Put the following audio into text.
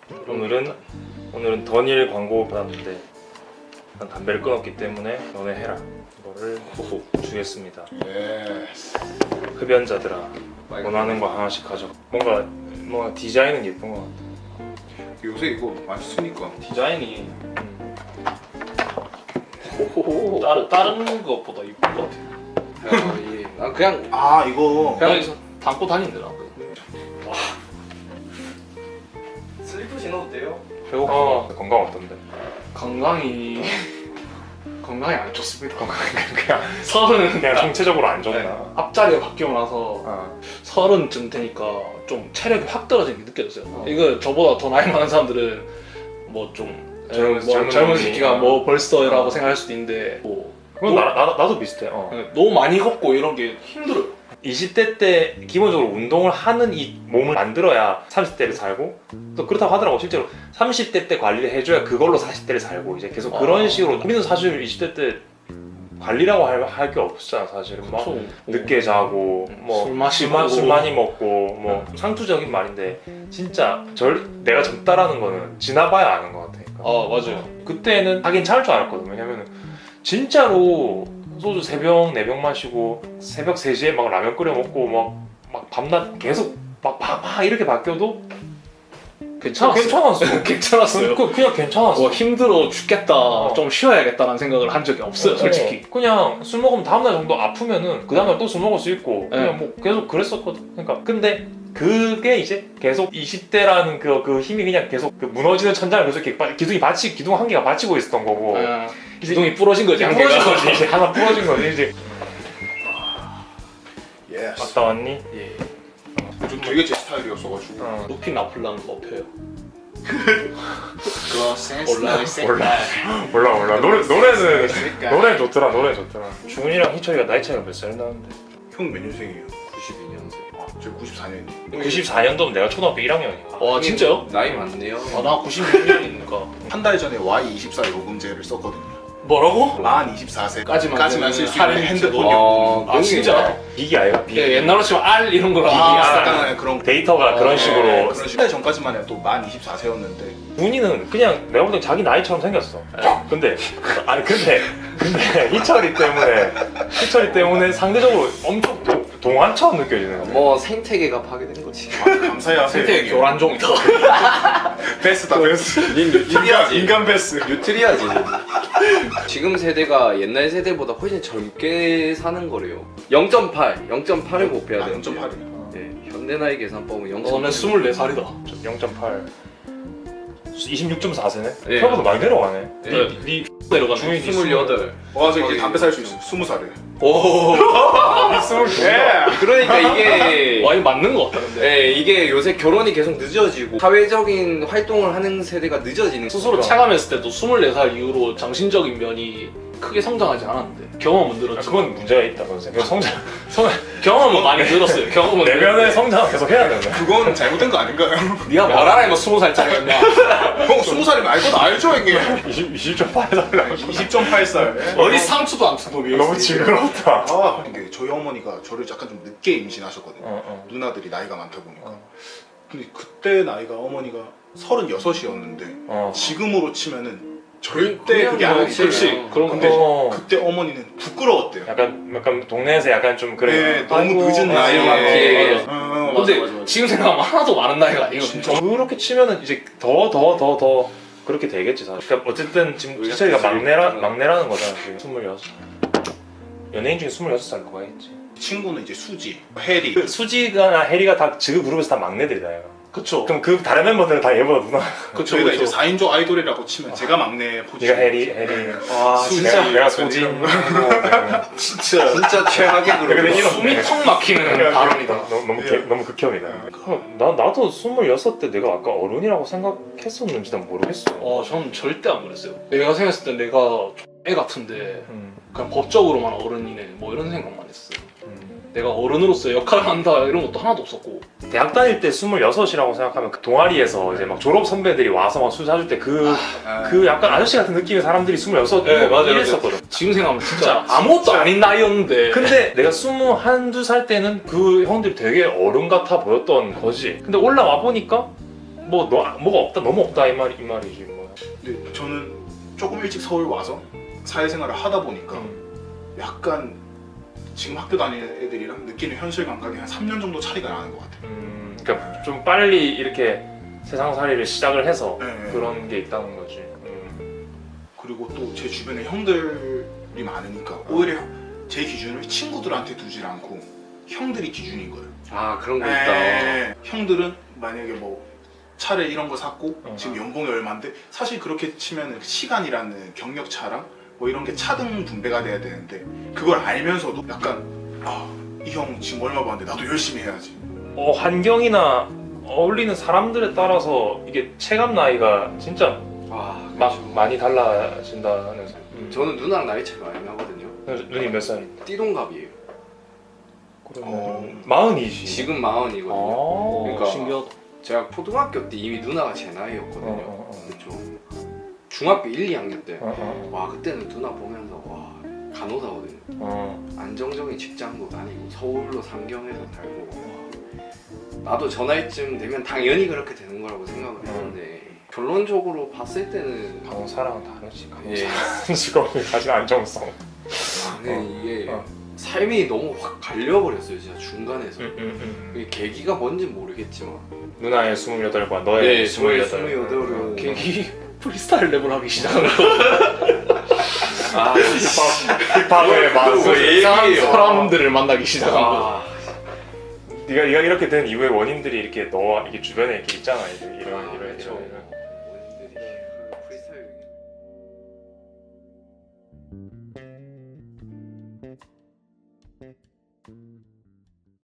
오늘은 던일 광고 받았는데 난 담배를 끊었기 때문에 너네 해라. 이거를 주겠습니다. 흡연자들아, 원하는 거 하나씩 가져. 뭔가 디자인은 예쁜 것 같아. 요새 이거 많이 쓰니까 디자인이 다른 것보다 이쁜 것 같아요. 그냥 이거 그냥 담고 다니더라. 슬리퍼 신어도 돼요? 배고파. 건강 어떤데? 건강이 안 좋습니다. 그냥 서른 그냥 총체적으로 안 좋나? 네. 앞자리가 바뀌고 나서 서른쯤 되니까 좀 체력이 확 떨어지는 게 느껴졌어요. 이거 저보다 더 나이 많은 사람들은 뭐 좀 젊은 새끼가 뭐 벌써라고 생각할 수도 있는데 그건 나도 비슷해. 너무 많이 걷고 이런 게 힘들어요. 20대 때 기본적으로 운동을 하는 이 몸을 만들어야 30대를 살고, 또 그렇다고 하더라고. 실제로 30대 때 관리를 해줘야 그걸로 40대를 살고, 이제 계속 그런 식으로. 우리는 사실 20대 때 관리라고 할 게 없었잖아. 사실은 막 늦게 자고 뭐 술 마시고 술 많이 먹고 뭐 상투적인 말인데, 진짜 내가 젊다라는 거는 지나봐야 아는 것 같아. 맞아요. 그때는 하긴 참을 줄 알았거든. 왜냐면은 진짜로 소주 3병 4병 마시고 새벽 3시에 막 라면 끓여 먹고 막 밤낮 계속 막 이렇게 바뀌어도 괜찮았어요. 괜찮았어요. 그냥 괜찮았어. 힘들어 죽겠다, 좀 쉬어야겠다라는 생각을 한 적이 없어요, 솔직히. 그냥 술 먹으면 다음날 정도 아프면은 그 다음날 또 술 먹을 수 있고, 그냥 뭐 계속 그랬었거든. 그러니까 근데 그게 이제 계속 20대라는 그 힘이 그냥 계속 그 무너지는 천장을 계속 이렇게 기둥 한 개가 받치고 있었던 거고. 기둥이 부러진 거지, 부러진 거지. 이제 하나 부러진 거지 이제. 갔다 왔니? 예. 좀 되게 제 스타일이었어가지고 루피 나폴라는 거 펴요. 그거 센스 몰라. 노래 좋더라. 중훈이랑 희철이가 나이 차이가 몇 살 나는데? 형 몇 년생이에요? 92년생. 저 94년이에요 94년도면 내가 초등학교 1학년이야. 와, 진짜요? 나이 많네요. 나 96년이니까. 한 달 전에 Y24 요금제를 썼거든요. 뭐라고? 만 24세까지만 까지만 쓸 수 있는 할인 핸드폰 아, 요금. 그런 게 진짜? 있나요? 비기 아이가 비기. 예, 옛날로 치면 R 이런 거랑 약간 그런 데이터가 그런 식으로. 그런 식으로 전까지만 해도 또 만 24세였는데 준이는 그냥 내가 볼 때 자기 나이처럼 생겼어. 근데 희철이 때문에 상대적으로 엄청 동안처럼 느껴지는 거야. 뭐 생태계가 파괴된 거지. 감사해요. 생태계 교란종이다. 베스트다 베스트. 인간 베스트. 뉴트리아지. 지금 세대가 옛날 세대보다 훨씬 젊게 사는 거래요. 0.8을 곱해야 아, 돼요. 0.8이요. 네, 현대 나이 계산법은 0.8. 너는 24살이다. 0.8 26.4세네? 예. 생각보다 많이 내려가네. 네. 내려가네. 중이 28. 와, 저 이제 담배 살 수 있어. 20살에. 오. 그러니까 이게 와, 이거 맞는 거 같다, 근데. 네, 이게 요새 결혼이 계속 늦어지고 사회적인 활동을 하는 세대가 늦어지는 스스로 체감했을 때도 24살 이후로 정신적인 면이 크게 성장하지 않았는데 경험은 늘었지. 그건 문제가 있다. 그건 경험은 많이 늘었어요. 경험은 내면의 성장을 계속 해야 된다. 그건 잘못된 거 아닌가요? 네가 뭘 알아, 이거 20살짜리였냐. 형 20살이면 알 건 알죠, 형님. 20.8살 20.8살. 어디 상추도 안 투독이었어. 너무 징그럽다. 아, 이게 저희 어머니가 저를 약간 좀 늦게 임신하셨거든요. 누나들이 나이가 많다 보니까. 근데 그때 나이가 어머니가 36이었는데 지금으로 치면은 절대 그게 그냥 아니지. 그렇지. 그런 근데 건데. 그때 어머니는 부끄러웠대요. 약간 동네에서 약간 좀 그래. 네, 너무 아이고, 늦은 나이에. 예. 근데 지금 생각하면 하나도 많은 나이가 아니거든요. 그렇게 치면은 이제 더 그렇게 되겠지 사실. 그러니까 어쨌든 지금 희철이가 막내라는 거잖아. 지금 26. 연예인 중에 26살 누가 있지? 친구는 이제 수지, 해리. 수지가 해리가 다 그 그룹에서 다 막내들이다. 얘가. 그쵸. 그럼 그 다른 멤버들은 다 얘보다 누나. 그쵸. 저희가 이제 4인조 아이돌이라고 치면 제가 막내 포지. 네가 해리. 와 수지. 진짜 내가 소진. 진짜 최악의 근데 그룹. 이런- 숨이 턱 막히는 발언이다. 너무 극혐이다. 나도 26때 내가 아까 어른이라고 생각했었는지 난 모르겠어. 저는 절대 안 그랬어요. 내가 생각했을 때 내가 애 같은데 그냥 법적으로만 어른이네 뭐 이런 생각만 했어요. 내가 어른으로서 역할을 한다 이런 것도 하나도 없었고. 대학 다닐 때 26이라고 생각하면 그 동아리에서 이제 막 졸업 선배들이 와서 막 술 사줄 때 그 약간 아저씨 같은 느낌의 사람들이 26 네, 맞아요. 이랬었거든. 지금 생각하면 진짜 아무것도 아닌 나이였는데. 근데 내가 21, 2살 때는 그 형들이 되게 어른 같아 보였던 거지. 근데 올라와 보니까 뭐가 없다 너무 없다 이 말이지 뭐. 근데 저는 조금 일찍 서울 와서 사회생활을 하다 보니까 약간 지금 학교 다니는 애들이랑 느끼는 현실 감각이 한 3년 정도 차이가 나는 것 같아요. 그러니까 좀 빨리 이렇게 세상살이를 시작을 해서 네. 그런 게 있다는 거지. 그리고 또 제 주변에 형들이 많으니까 오히려 제 기준을 친구들한테 두질 않고 형들이 기준인 거예요. 아 그런 거 네. 있다. 형들은 만약에 뭐 차를 이런 거 샀고 지금 연봉이 얼마인데 사실 그렇게 치면은 시간이라는 경력차랑 뭐 이런 게 차등 분배가 돼야 되는데 그걸 알면서도 약간 이 형 지금 얼마 버는데 나도 열심히 해야지. 환경이나 어울리는 사람들에 따라서 이게 체감 나이가 진짜 와 막 많이 달라진다는. 저는 누나랑 나이 차이 많이 나거든요. 누님 몇 살인데? 띠동갑이에요. 그러면 40이지. 지금 40이거든요. 그러니까 신기하다. 제가 초등학교 때 이미 누나가 제 나이였거든요. 그렇죠. 중학교 1, 2학년 때. 와 그때는 누나 보면서 와 간호사거든요. 안정적인 직장도 다니고 서울로 상경해서 살고 와, 나도 저 나이쯤 되면 당연히 그렇게 되는 거라고 생각을 했는데 결론적으로 봤을 때는 간호사랑은 다르지. 예. 직업이 가진 안정성. 근데 이게 삶이 너무 확 갈려버렸어요 진짜 중간에서. 이 계기가 뭔지 모르겠지만 누나의 28과 너의 28. 28은 계기 프리스타일 랩을 하기 시작한 거. 힙합의 맛을 이상한 얘기예요. 사람들을 만나기 시작한 거. 네가 이렇게 된 이후의 원인들이 이렇게 너와 이게 주변에 이렇게 있잖아. 이런. 그렇죠.